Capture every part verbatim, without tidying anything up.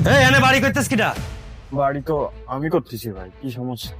এই এনে বাড়ি করতেছ কিটা? বাড়ি তো আমি করতেছি ভাই, কি সমস্যা?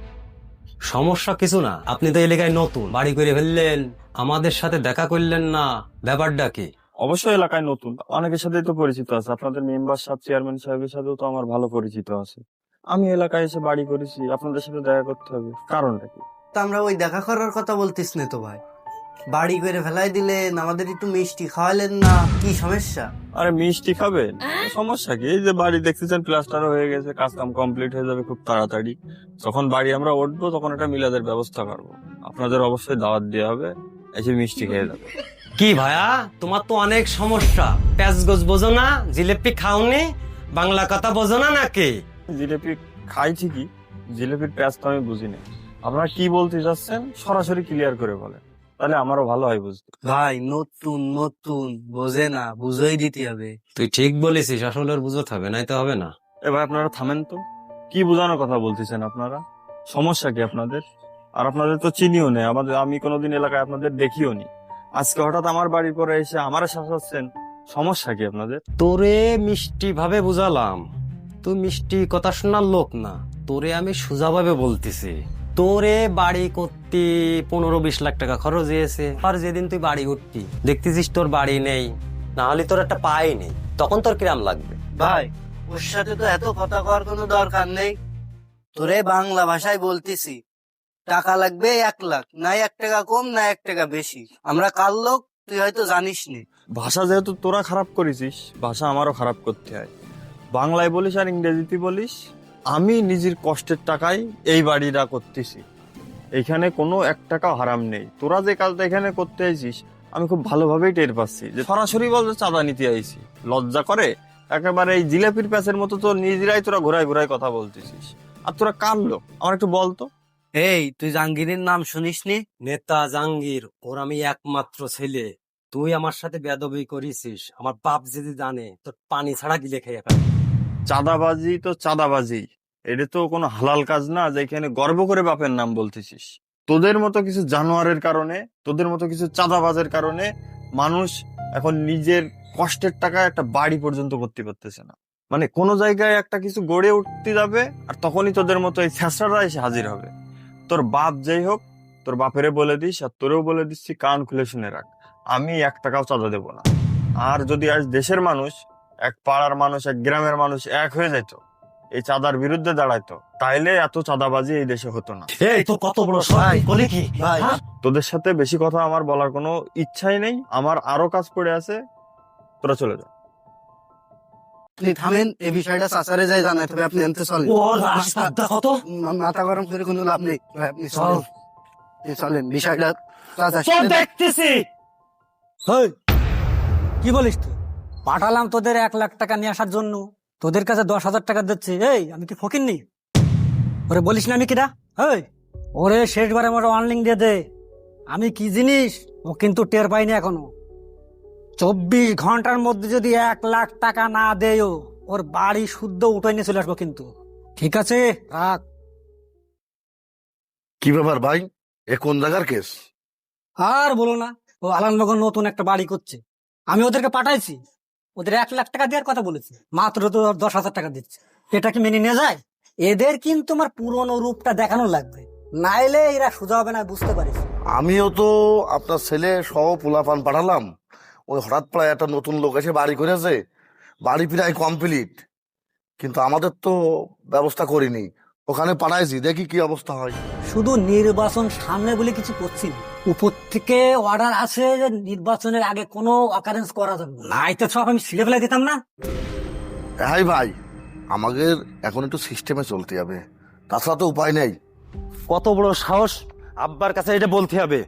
সমস্যা কিছু না, আপনি তো এলাকায় নতুন, বাড়ি করে ফেললেন, আমাদের সাথে দেখা করলেন না, ব্যাপারটা কি? অবশ্যই এলাকায় নতুন, অনেকের সাথেই তো পরিচিত আছে। আপনাদের মেম্বার সাহেব, চেয়ারম্যান সাহেবের সাথেও তো আমার ভালো পরিচিত আছে। আমি এলাকায় এসে বাড়ি করেছি, আপনাদের সাথে দেখা করতে হবে, কারণটা কি? তা আমরা ওই দেখা করার কথা বলতিস না তো ভাই, বাড়ি করে ফেলাই দিলেন, আমাদের একটু মিষ্টি খাওয়ালেন না, কি সমস্যা? আরে মিষ্টি খাবেন, সমস্যা কি? এই যে বাড়ি দেখতেছেন প্লাস্টার হয়ে গেছে, কাজ কাম কমপ্লিট হয়ে যাবে খুব তাড়াতাড়ি। যখন বাড়ি আমরা উঠবো তখন একটা মিলাদের ব্যবস্থা করবো, আপনাদের অবশ্যই দাওয়াত দেওয়া হবে, এসে মিষ্টি খেয়ে যাবে। কি ভাইয়া, তোমার তো অনেক সমস্যা, প্যাঁচ গোছ বোঝো না, জিলেপি খাওনি, বাংলা কথা বোঝো না নাকি? জিলিপি খাই ঠিকই, জিলিপির প্যাঁচ তো আমি বুঝি না। আপনারা কি বলতে চাচ্ছেন সরাসরি ক্লিয়ার করে বলেন, তাহলে আমারও ভালো হয় বুঝতে। ভাই নতুন নতুন বোঝে না, বুঝেই দিতে হবে। তুই ঠিক বলেছিস, আসলে ওর বুঝতে হবে, নাই তো হবে না। এবার আপনারা থামেন তো, কি বোঝানোর কথা বলতেছেন আপনারা? সমস্যা কি আপনাদের? আর আপনাদের তো চিনিও নেই, আমাদের আমি কোনোদিন এলাকায় আপনাদের দেখিও নি। আজকে হঠাৎ আমার বাড়ির পরে এসে আমারে শাসাচ্ছেন, সমস্যা কি আপনাদের? তোরে মিষ্টি ভাবে বুঝালাম, তুই মিষ্টি কথা শোনার লোক না, তোরে আমি সোজাভাবে বলতেছি। তোরে বাড়ি করতে পনেরো বিশ লাখ টাকা খরচ হয়েছে, আর যেদিন তুই বাড়ি উঠতি দেখতেছিস তোর বাড়ি নেই, না হলে তোর একটা পাই নেই, তখন তোর কিরাম লাগবে? ভাই ওর সাথে তো এত কথা কওয়ার কোনো দরকার নেই, তোরে বাংলা ভাষায় বলতেছি, টাকা লাগবে এক লাখ, না এক টাকা কম না এক টাকা বেশি, আমরা কার লোক তুই হয়তো জানিস নি। ভাষা যেহেতু তোরা খারাপ করেছিস, ভাষা আমারও খারাপ করতে হয়। বাংলায় বলিস আর ইংরেজিতে বলিস, আমি নিজের কষ্টের টাকায় এই বাড়িটা করতেছি, এখানে কোনো এক টাকা হারাম নেই। তোরা যে কাজটা এখানে করতে আইছিস আমি খুব ভালোভাবেই টের পাচ্ছি, যে সরাসরি বলতে চাঁদা নিতে আইছি, লজ্জা করে একেবারে এই জিলাপির প্যাচের মতো তো নিজেরাই তোরা ঘোরায় ঘোরায় কথা বলতেছিস। আর তোরা কার লোক আমার একটু বলতো? এই তুই জাহাঙ্গীরের নাম শুনিস নি? নেতা জাহাঙ্গীর ওর আমি একমাত্র ছেলে, তুই আমার সাথে বেয়াদবি করেছিস, আমার বাপ যদি জানে তোর পানি ছাড়া গিলে খেয়ে ফেলবে। চাঁদাবাজি তো চাঁদাবাজি, এটা তো কোনো হালাল কাজ না যেখানে গর্ব করে বাপের নাম বলতেছিস। তোদের মতো কিছু জানোয়ারের কারণে, তোদের মতো কিছু চাঁদাবাজের কারণে মানুষ এখন নিজের কষ্টের টাকায় একটা বাড়ি পর্যন্ত করতে পারতেছে না। মানে কোনো জায়গায় একটা কিছু গড়ে উঠতে যাবে আর তখনই তোদের মতো এই ছেঁচড়ারা এসে হাজির হবে। তোর বাপ যাই হোক, তোর বাপেরে বলে দিস আর তোরেও বলে দিচ্ছি, কান খুলে শুনে রাখ, আমি এক টাকাও চাঁদা দেবো না। আর যদি আজ দেশের মানুষ, এক পাড়ার মানুষ, এক গ্রামের মানুষ এক হয়ে যেত, এই চাঁদার বিরুদ্ধে দাঁড়াইতো, তাইলে এত চাঁদাবাজি এই দেশে হতো না। এই তোর কত বড় সাহস, বলে কি? ভাই হ্যাঁ? তোদের সাথে বেশি কথা আমার বলার কোনো ইচ্ছাই নেই, আমার আরো কাজ পড়ে আছে, তোরা চলে যা। আপনি থামেন, এই বিষয়টা চাচারে যাই জানাতে হবে, আপনি আনতে চলেন। ওর রাস্তা কত মা- মাথা গরম করে কোনো লাভ নেই ভাই, আপনি চলেন, আপনি চলেন, বিষয়টা চাচা চল দেখতেছি। হেই, কি বলিস তুই? পাঠালাম তোদের এক লাখ টাকা নিয়ে আসার জন্য, তোদের কাছে দশ হাজার টাকা দিচ্ছি। এই আমি কি ফকির নি? ওরে বলিস না আমি কিরা? হেই, ওরে শেষবারে আমার অনলিং দিয়ে দে, আমি কি জিনিস ও কিন্তু টের পাইনি এখনো। চব্বিশ ঘন্টার মধ্যে যদি এক লাখ টাকা না দেয়, ওর বাড়ি শুদ্ধ উঠে নিয়ে চলে আসবো কিন্তু। ঠিক আছে, রাখ। কি ব্যাপার ভাই, এ কোন জায়গার কেস? আর বলো না, ও আলানবাগন নতুন একটা বাড়ি করছে, আমি ওদেরকে পাঠাইছি, ওদের এক লাখ টাকা দেওয়ার কথা বলেছি, মাত্র তো দশ হাজার টাকা দিচ্ছে। এটা কি মেনে নিয়ে যায়? এদের কিন্তু আমার পুরনো রূপটা দেখানো লাগবে, নাইলে এরা সোজা হবে না, বুঝতে পারিস। আমিও তো আপনার ছেলে সহ পোলাপান পাঠালাম, ওই হঠাৎ প্রায় একটা নতুন লোক এসে বাড়ি করেছে, বাড়ি প্রায় কমপ্লিট, কিন্তু আমাদের তো ব্যবস্থা করিনি, ওখানে পাঠাইছি, দেখি কি অবস্থা হয়। শুধু নির্বাচন সামনে বলে কিছু করছি না, উপর থেকে অর্ডার আছে যে নির্বাচনের আগে কোনো অকারেন্স করা যাবে না, নাই তো সব আমি ছিঁড়ে ফেলে দিতাম না। হ্যাঁ ভাই, আমাদের এখন একটু সিস্টেমে চলতে হবে, তাছাড়া তো উপায় নেই। কত বড় সাহস, আব্বার কাছে এটা বলতে হবে?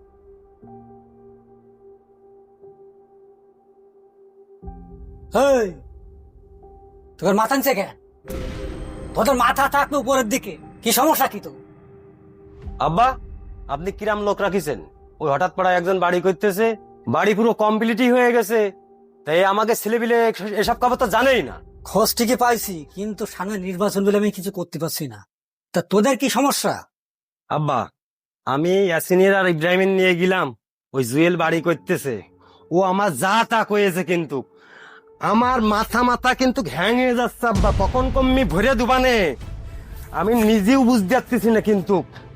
হেই, তোর মাথা নিচে কে? তোদের মাথা থাকবে উপরের দিকে, কি সমস্যা কি তো? আব্বা, আপনি কিরাম লোক রাখিছেন? ওই হঠাৎ পড়া একজন বাড়ি করতেছে, বাড়ি পুরো কমপ্লিটই হয়ে গেছে, তাই আমাকে ছেলেপিলে এসব খবর তো জানেই না। খোঁজ ঠিকই পাইছি, কিন্তু সামনে নির্বাচন বলে আমি কিছু করতে পারছি না। তা তোদের কি সমস্যা? আব্বা, আমি ইয়াসিনের আর ইব্রাহিমের নিয়ে গেলাম, ওই জুয়েল বাড়ি করতেছে, ও আমার যা তা কয়েছে, কিন্তু আমার মাথা মাথা কিন্তু ঘ্যাং হয়ে যাচ্ছে আব্বা, কখন কমনি ভরে দুবানে আমি নিজেও বুঝতে পারতেছি না কিন্তু।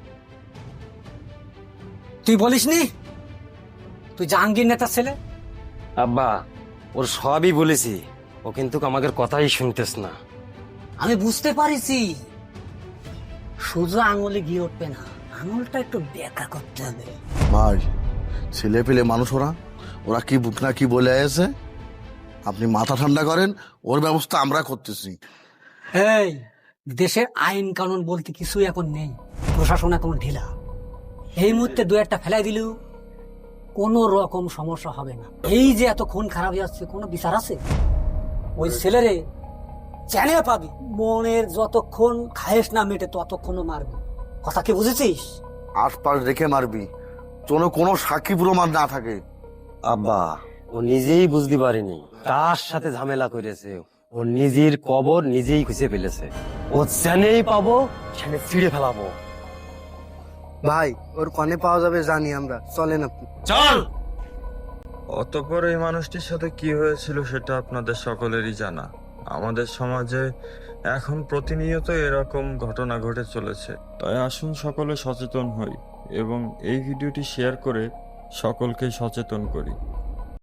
তুই বলিস নি তুই জাহাঙ্গীর নেতার ছেলে? আব্বা ওর সবই বলেছি, ও কিন্তু আমাদের কথাই শুনতেস না। আমি বুঝতে পারিছি সোজা আঙুলে গিয়ে উঠবে না, আঙুলটা একটু বেঁকা করতে হবে। ভাই ছেলে পেলে মানুষ ওরা, ওরা কি বুক না কি বলে আছে, আপনি মাথা ঠান্ডা করেন, ওর ব্যবস্থা আমরা করতেছি। এই দেশের আইন কানুন বলতে কিছুই এখন নেই, প্রশাসন এখন ঢিলা। এই মুহূর্তে দু একটা ফেলাই দিলেও কোনো রকম সমস্যা হবে না। এই যে এত খুন খারাপ যাচ্ছে, কোনো বিচার আছে? ওই ছেলেরে চ্যানে পাবি, মনের যতক্ষণ খায়েস না মেটে ততক্ষণও মারবি। কথা কি বুঝেছিস? আশপাশ রেখে মারবি, যেন কোনো সাক্ষী প্রমাণ না থাকে। আব্বা ও নিজেই বুঝতে পারেনি কার সাথে ঝামেলা করেছে, ও নিজের কবর নিজেই খুঁজে ফেলেছে। ও জানেই পাবো, সেখানে ছিঁড়ে ফেলাবো। ভাই ওর কনে পাওয়া যাবে জানি আমরা, চলেন আপনি। চল। অতঃপর এই মানুষটির সাথে কি হয়েছিল সেটা আপনাদের সকলেরই জানা। আমাদের সমাজে এখন প্রতিনিয়ত এরকম ঘটনা ঘটে চলেছে, তাই আসুন সকলে সচেতন হই এবং এই ভিডিওটি শেয়ার করে সকলকে সচেতন করি।